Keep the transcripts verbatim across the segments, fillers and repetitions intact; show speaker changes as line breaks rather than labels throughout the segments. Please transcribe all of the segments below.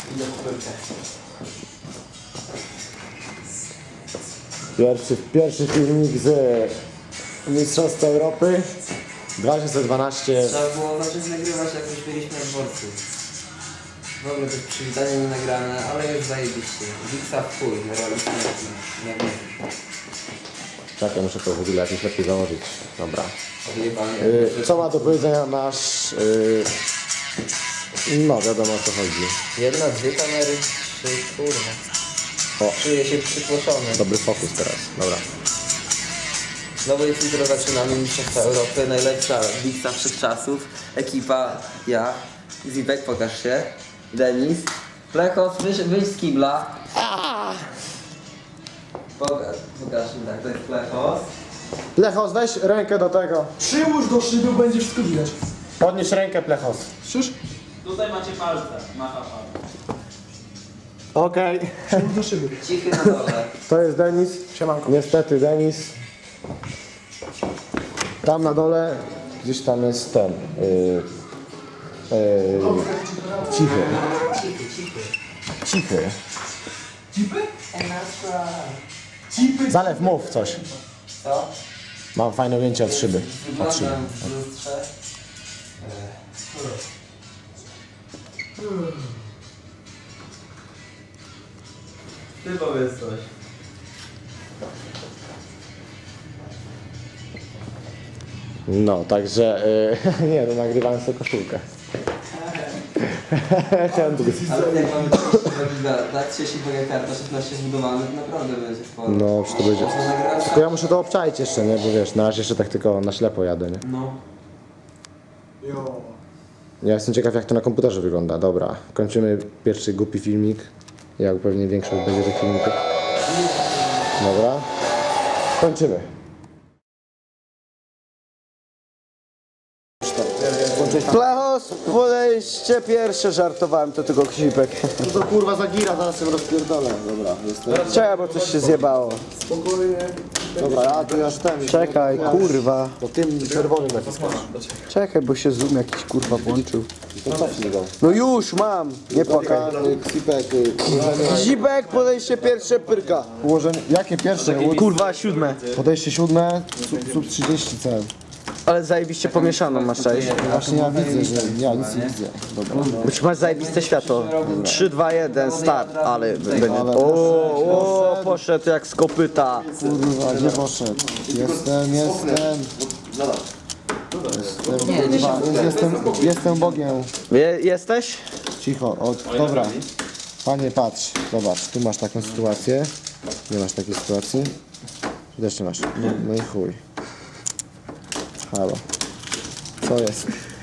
Pierwszy, pierwszy filmik z Mistrzostw Europy dwa tysiące dwanaście.
Trzeba było zacząć nagrywać, jak już byliśmy na dworcu. W ogóle też przywitanie nie nagrane, ale już zajebiście. Wiksa w chuj, realistyczny. Nie wiem.
Czekaj, muszę to w ogóle jakoś lepiej założyć. Dobra.
Odjebanie.
Yy, co ma do powiedzenia nasz... Yy... No, wiadomo o co chodzi.
Jedna, dwie kamery, trzy, kurwa.
O.
Czuję się przytłoczony.
Dobry fokus teraz, dobra.
No bo jeśli jutro zaczynamy Mistrzostwa Europy, najlepsza Wiksa wszechczasów. Ekipa, ja, Zipek, pokaż się. Denis. Plechos, wyjdź, wyjdź z kibla. Pokaż, pokaż mi tak, to jest Plechos.
Plechos, weź rękę do tego.
Przyłóż do szyby, będzie wszystko widać.
Podnieś rękę, Plechos.
Słyszysz?
Tutaj macie palce, macha palce.
Okej.
Przyłóż do szyby.
Cichy na dole.
To jest Denis.
Siemanko.
Niestety Denis. Tam na dole, gdzieś tam jest ten. Yy, yy, cichy.
Cichy, cichy.
Cichy.
Cipy?
And that's right.
Cipy.
Zalew, mów coś.
Co?
Mam fajne ujęcie od szyby. Od szyby.
Wyglądam w lustrze.
Ty powiedz coś.
No, także yy, nie, to nagrywałem sobie koszulkę. Chciałem tylko...
Ale jak mamy trzydzieści giga, tak? trzydzieści giga karta szesnaście zbudowanych, naprawdę będzie sporo.
No, czy to będzie...
Można nagrywać.
Tylko ja muszę to obczaić jeszcze, nie? Bo wiesz, na razie jeszcze tak tylko na ślepo jadę, nie?
No.
Jo.
Ja jestem ciekaw, jak to na komputerze wygląda. Dobra, kończymy pierwszy głupi filmik. Jak pewnie większość będzie tych filmików. Dobra. Kończymy.
Plechos, podejście pierwsze, żartowałem, to tylko ksipek.
To kurwa zagira, zaraz ją rozpierdolę. Dobra, jestem.
Czekaj, bo coś się zjebało.
Dobra, ja tu już ten.
Czekaj, kurwa.
To tym czerwonym naciskasz.
Czekaj, bo się zoom jakiś kurwa włączył.
To cofnij go.
No już mam, nie płakaj.
Ksipek, ułożenie...
Ksipek, podejście pierwsze, pyrka.
ułożenie... Jakie pierwsze?
Kurwa, siódme.
Podejście siódme, sub, sub trzydzieści C.
Ale zajebiście pomieszaną masz, cześć.
Właśnie ja widzę, że ja nic nie widzę. Dobra.
Bo masz zajebiste światło. trzy, dwa, jeden, start, ale będzie... O, o, poszedł jak z kopyta.
Kurwa, gdzie poszedł? Jestem, jestem. Jestem, kurwa, jestem, jestem Bogiem.
Je, jesteś?
Cicho, o, dobra. Panie, patrz, zobacz, tu masz taką sytuację. Nie masz takiej sytuacji. Tu też nie masz. No, no i chuj. Halo. Co jest?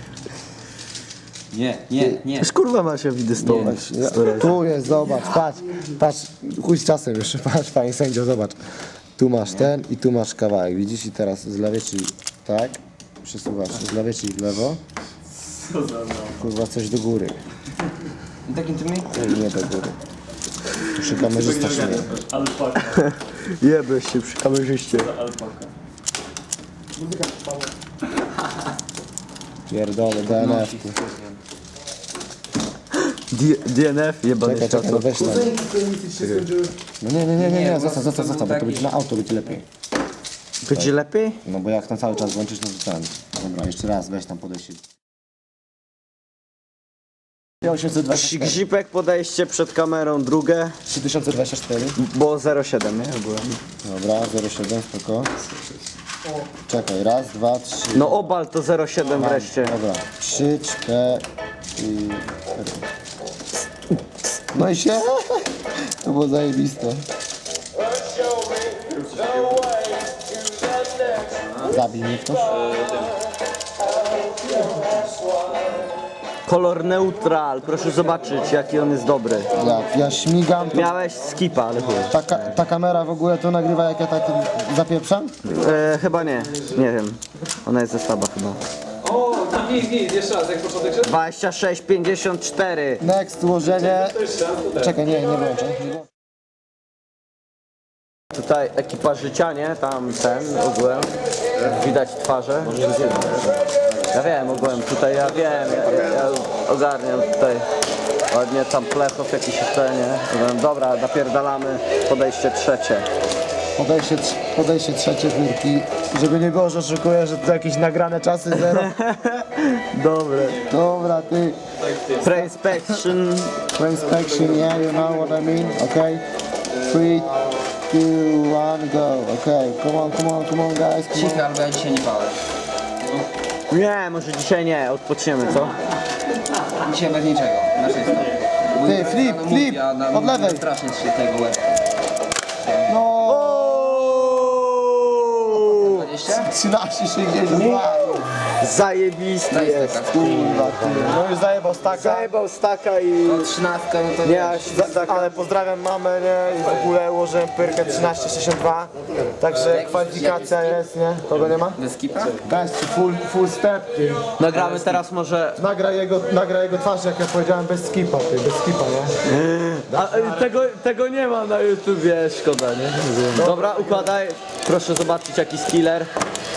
Nie, nie, nie.
Już kurwa ma się widystować.
Ja, tu jest, zobacz, patrz, patrz, chuj z czasem już, patrz, panie sędzio, zobacz. Tu masz ten i tu masz kawałek, widzisz? I teraz z lewej, czyli tak, przesuwasz z lewej, czyli w lewo.
Co za no.
Kurwa, coś do góry.
Takim tymi?
Nie, nie do góry. Przy kamerzysta się nie.
Alpaka,
Jebłeś się przy kamerzyście.
alpaka.
Pierdolę, D N F.
D N F, jebane
Czekaj, czekaj, no
światło.
weź tam. No nie, nie, nie, nie, nie, zostaw, zostaw, zostaw, bo to będzie na auto, będzie lepiej.
Będzie lepiej?
No bo jak tam cały czas włączysz, no to ten. Dobra, jeszcze raz, weź tam podejście. osiemset dwadzieścia cztery.
Gzipek, podejście przed kamerą drugie,
trzy tysiące dwadzieścia cztery.
bo zero siedem, nie? Byłem.
Dobra, zero siedem, spoko. Czekaj, raz, dwa, trzy.
No obal to zero siedem wreszcie.
Dobra, trzy, cztery. No i się. To było zajebiste. Zabij mnie ktoś.
Kolor neutral, proszę zobaczyć jaki on jest dobry.
Jak ja śmigam, to
Miałeś skipa, ale chuj.
ta, ka- ta kamera w ogóle to nagrywa, jak ja tak zapieprzam?
E, chyba nie, nie wiem. Ona jest ze słaba chyba.
O, tam nic, nic, jeszcze raz, jak początek szedł?
dwadzieścia sześć pięćdziesiąt cztery.
Next, ułożenie. Czekaj, nie, nie wyłączę.
Tutaj ekipa życia, nie? Tam ten ogółem. Widać twarze. Ja wiem ogółem, tutaj ja wiem, ja, ja, ja ogarniam tutaj. Ładnie tam plechow jakiś jeszcze, nie? Dobra, napierdalamy. Podejście trzecie.
Podejście, trz- podejście trzecie Furki. Żeby nie było, że oszukuję, że to jakieś nagrane czasy zero.
Dobre.
Dobra, ty.
Pre-inspection.
For inspection, yeah, you know what I mean, okay? Three, two, one, go, okay? Come on, come on, come on, guys, come on.
Cichy, albo ja dzisiaj nie palę.
Nie, może dzisiaj nie, odpoczniemy, co?
Dzisiaj bez niczego, na czysto.
Ty, flip, flip, od lewej.
Strasznie się tego łeb.
No,
dwadzieścia?
trzynaście sześćdziesiąt dwa.
Zajebisty
Daj
jest,
steka.
kurwa, ty.
No już zajebał staka.
Zajebał staka i...
No trzynastka, no to
Nie, aż za, za,
Ale pozdrawiam mamę, nie? I w ogóle ułożyłem pyrkę trzynaście sześćdziesiąt dwa. Także kwalifikacja jest, nie? Kogo nie ma?
bez skipa?
Bez, full, full step, ty.
Nagramy teraz może...
Nagra jego, nagra jego twarz, jak ja powiedziałem, bez skipa, ty, bez skipa, nie?
A, y, tego, tego nie ma na YouTubie, szkoda, nie? Dobra, układaj. Proszę zobaczyć jaki skiller.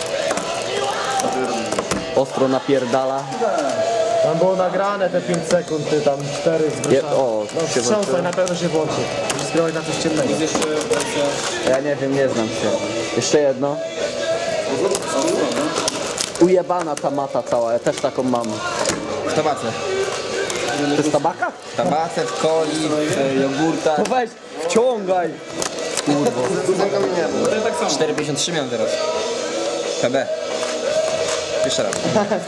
Ostro napierdala.
Tam było nagrane te pięć sekund, ty, tam cztery z
Je,
grosza.
o,
No
się
wstrząsaj,
włączyło.
na pewno się włączy. Musisz skierować na coś ciemnego.
Ja nie wiem, nie znam się. Jeszcze jedno. Ujebana ta mata cała, ja też taką mam.
W tabace.
To jest tabaka?
W tabace, w coli, w jogurtach.
No weź, wciągaj.
cztery pięćdziesiąt trzy miałem teraz. P B. Jeszcze raz.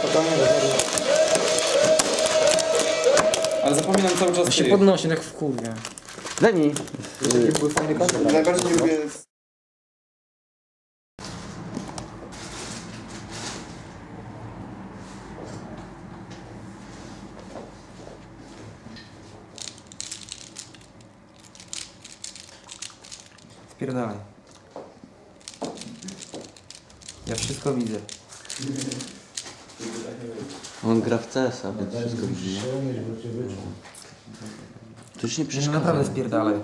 Ale zapominam cały czas
Się
ty.
podnosi tak w kurwie.
Deni.
Najbardziej nie lubię...
Spierdalaj. Ja wszystko widzę.
On gra w C S a, więc wszystko widzi. To już nie
Że
przeszkadza.
naprawdę spierdalaj.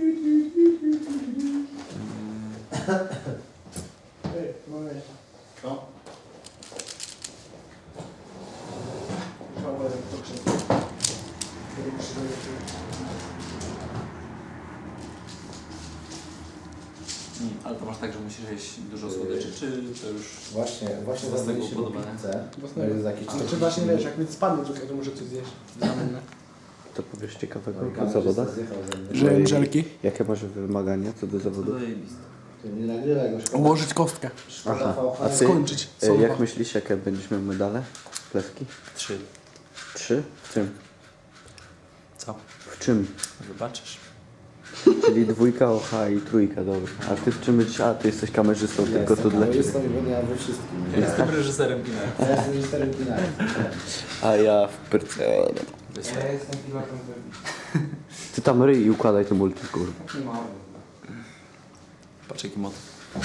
Ale to masz tak, że musisz jeść dużo słodyczy, czy to już...
Właśnie, właśnie
Własnego
zastanawialiśmy po
upodobania.
pizzę.
Własnego.
To jest jakieś
Znaczy właśnie wiesz, jak mi spadnie tutaj, to muszę coś zjeść.
To powiesz ciekawego o zawodach?
Że jem żelki.
Jakie masz wymagania co do zawodów?
Nie nagrywaj go, szkoda.
Ułożyć kostkę.
Szkoda V H.
A ty,
Skończyć.
e,
Sąba.
jak myślisz, jakie będziesz miał medale? Pleski?
Trzy.
Trzy? W czym?
Co?
W czym?
Zobaczysz.
Czyli dwójka O H i trójka, dobra. A ty w czym będziesz? A, ty jesteś kamerzystą, tylko to dla ciebie.
Jestem i ja we wszystkim.
Jestem reżyserem kina.
Ja jestem reżyserem kina.
A ja w pyrce.
Ja jestem pilotem
Ty tam ryj i układaj to multi, kurwa.
Patrz jaki motyw.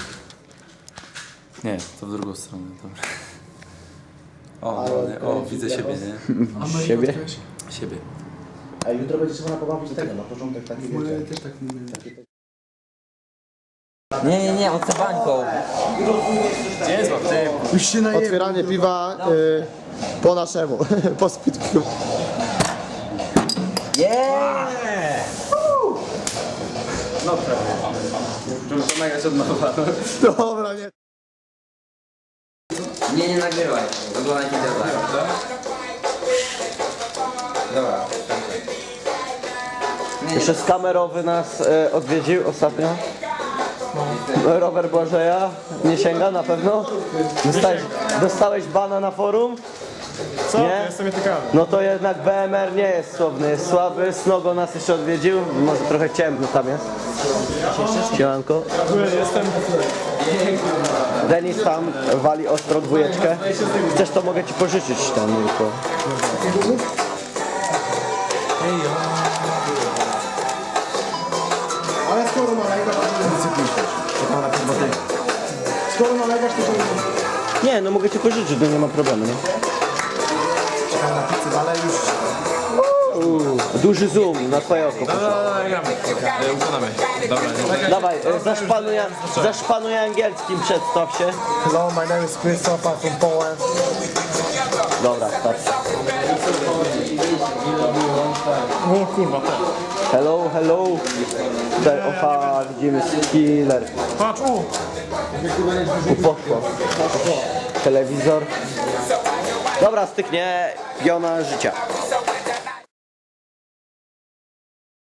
Nie, to w drugą stronę, dobra. O,
Ale-
ładnie. O, widzę siebie, nie?
Siebie?
Siebie.
A jutro będzie trzeba pobawić tego, na początek taki
Moje
wiecie.
też tak nie miałem.
Nie, nie, nie, on chce bańką.
Gdzie jest łap? Ty,
Już się najem.
Otwieranie piwa y, po naszemu, po speedku.
Yeah!
no prawie. Muszę nagrać od nowa.
Dobra, nie.
Nie, nie nagrywaj. Oglądaj video tak. Dobra.
Jeszcze z kamerowy nas e, odwiedził ostatnio. Rower Błażeja. Nie sięga na pewno? Dostałeś, dostałeś bana na forum?
Co?
Nie?
Ja jestem ciekawy.
No to jednak B M R nie jest słowny, jest słaby. Snogo nas jeszcze odwiedził. Może trochę ciemno tam jest. Siemanko.
Jestem.
Denis tam wali ostro dwójeczkę. Chcesz, to mogę ci pożyczyć tam tylko.
Ale skoro nalegasz, to nie cyklisz. Skoro nalegasz, to to
Nie, no mogę ci pożyczyć, no nie ma problemu, nie?
czekaj na pizzę, ale już...
Duży zoom na twoje oko.
Dobra, dobra, gramy. E, Układamy. Dobra, nie.
Dawaj, e, zaszpanuj, zaszpanuj angielskim, przedstaw się.
Hello, my name is Christoph, I'm from Poland.
Dobra, starczy.
O kurwa, tak.
Hello, hello. Tutaj, oha, widzimy skiller.
Patrz, o!
Tu poszło. Telewizor. Dobra, styknie, piona życia.